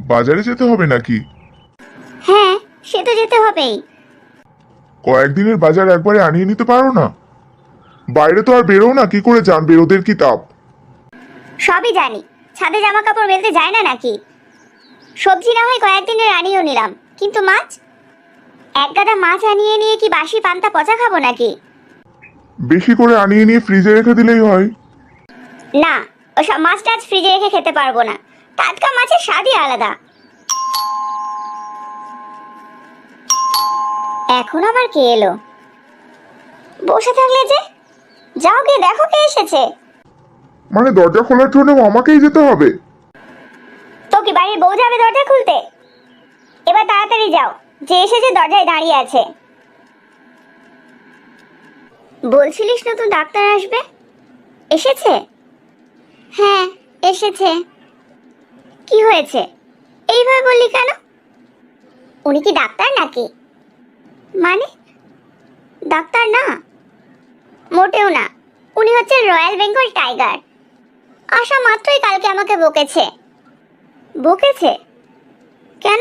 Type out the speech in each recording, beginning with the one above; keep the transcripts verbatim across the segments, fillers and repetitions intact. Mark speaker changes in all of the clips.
Speaker 1: বাজারে যেতে হবে নাকি?
Speaker 2: হ্যাঁ, সে তো যেতে হবেই।
Speaker 1: কয়েকদিনের বাজার একবারে আনিয়ে নিতে পারো না? বাইরে তো আর বেরো না, কি করে জানবে ওদের কি তাপ?
Speaker 2: সবই জানি, ছাদে জামা কাপড় মেলতে যায় না নাকি? সবজি না হয় কয়েকদিনের আনিয়েও নিলাম, কিন্তু মাছ? এক গাদা মাছ আনিয়ে নিয়ে কি বাসি পান্তা পচা খাবো নাকি?
Speaker 1: বেশি করে আনিয়ে নিয়ে ফ্রিজে রেখে দিলেই হয়।
Speaker 2: না, ওসব মাছ টাছ ফ্রিজে রেখে খেতে পারবো না। টাটকা মাছের স্বাদই আলাদা। এখন আবার কে এলো? বসে থাকলে যে, যাও গিয়ে দেখো কে এসেছে।
Speaker 1: মানে দরজা খোলার জন্য আমাকেই যেতে হবে?
Speaker 2: তো কি বাড়ির বউ যাবে দরজা খুলতে? এবার তাড়াতাড়ি যাও, যে এসেছে দরজায় দাঁড়িয়ে আছে। বলছিলিস নতুন ডাক্তার আসবে, এসেছে? হ্যাঁ, এসেছে। কি হয়েছে এইভাবে বললি কেন? উনি কি ডাক্তার নাকি? মানে ডাক্তার না, মোটেও না। উনি হচ্ছে রয়্যাল বেঙ্গল টাইগার। আসা মাত্রই কালকে আমাকে বকেছে। বকেছে কেন?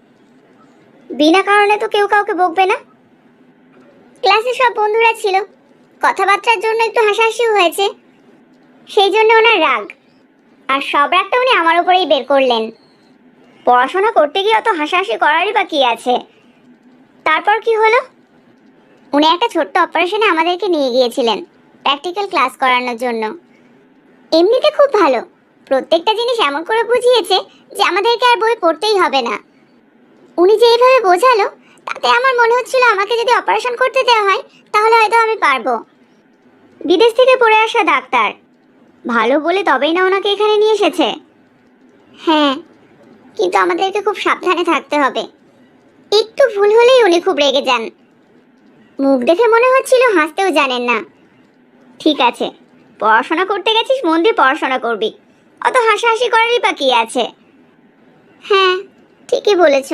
Speaker 2: বিনা কারণে তো কেউ কাউকে বকবে না। ক্লাসে সব বন্ধুরা ছিল, কথাবার্তার জন্য একটু হাসাহাসি হয়েছে, সেই জন্য ওনার রাগ। আর সব রাগটা উনি আমার উপরেই বের করলেন। পড়াশোনা করতে গিয়ে অত হাসাহাসি করারই বা কি আছে? তারপর কি হলো? উনি একটা ছোট্ট অপারেশনে আমাদেরকে নিয়ে গিয়েছিলেন প্র্যাকটিক্যাল ক্লাস করানোর জন্য। এমনিতে খুব ভালো, প্রত্যেকটা জিনিস এমন করে বুঝিয়েছে যে আমাদেরকে আর বই পড়তেই হবে না। উনি যে এইভাবে বোঝালো, তাতে আমার মনে হচ্ছিল আমাকে যদি অপারেশন করতে দেওয়া হয় তাহলে হয়তো আমি পারবো। বিদেশ থেকে পড়ে আসা ডাক্তার, ভালো বলে তবেই না ওনাকে এখানে নিয়ে এসেছে। হ্যাঁ, কিন্তু আমাদেরকে খুব সাবধানে থাকতে হবে। একটু ভুল হলেই উনি খুব রেগে যান। মুখ দেখে মনে হচ্ছিল হাসতেও জানেন না। ঠিক আছে, পড়াশোনা করতে গেছিস, মন দিয়ে পড়াশোনা করবি, অত হাসাহাসি করারই বা কি আছে? হ্যাঁ, ঠিকই বলেছ।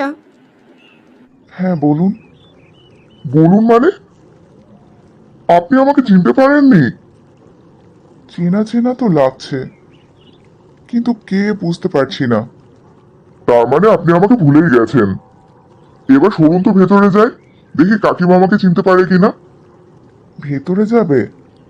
Speaker 1: হ্যাঁ বলুন। বলুন মানে? আপনি আমাকে চিনতে পারেননি? চেনা চেনা তো লাগছে, কিন্তু কে বুঝতে পারছি না। তার মানে আপনি আমাকে ভুলেই গেছেন। এবার সরুন তো ভেতরে যাই, দেখি কাকিমা আমাকে চিনতে পারে কিনা। ভেতরে যাবে?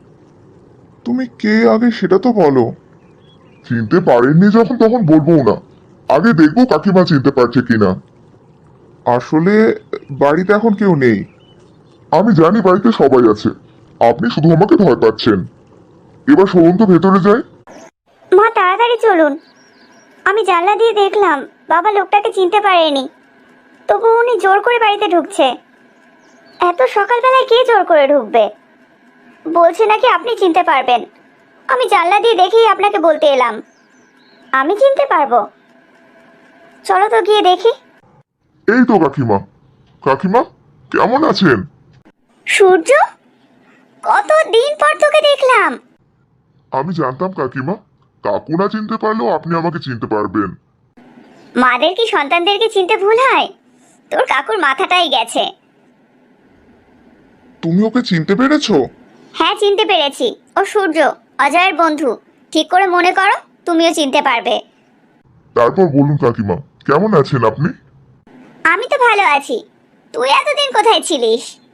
Speaker 1: তুমি কে আগে সেটা তো বলো। চিনতে পারেননি যখন তখন বলবো না, আগে দেখবো কাকিমা চিনতে পারছে কিনা। আসলে বাড়িতে এখন কেউ নেই। আমি জানি বাড়িতে সবাই আছে, আপনি শুধু আমাকে ভয় পাচ্ছেন। এবার সরুন তো ভেতরে যাই।
Speaker 2: মা তাড়াতাড়ি চলুন। আমি জানলা দিয়ে দেখলাম বাবা লোকটাকে চিনতে পারেনি, তবু উনি জোর করে বাড়িতে ঢুকছে। এত সকালবেলায় কে জোর করে ঢুকবে? বলছে নাকি আপনি চিনতে পারবেন। আমি জানলা দিয়ে দেখেই আপনাকে বলতে এলাম। আমি চিনতে পারবো? চলো তো গিয়ে দেখি।
Speaker 1: এই তো কাকিমা। কাকিমা কেমন আছেন?
Speaker 2: সূর্য, কত দিন পর তোকে দেখলাম।
Speaker 1: আমি জানতাম কাকিমা, কাকু না চিনতে পারলেও আপনি আমাকে চিনতে পারবেন।
Speaker 2: মাদের কি সন্তানদেরকে চিনতে ভুল হয়? তোর কাকুর মাথাটাই গেছে।
Speaker 1: তুমি ওকে চিনতে পেরেছো?
Speaker 2: হ্যাঁ, চিনতে পেরেছি। ও সূর্য, অজয়ের বন্ধু। ঠিক করে মনে করো, তুমিও চিনতে পারবে।
Speaker 1: তারপর বলুন কাকিমা, কেমন আছেন আপনি?
Speaker 2: আমি তো ভালো আছি। তুই এতদিন কোথায় ছিলিস?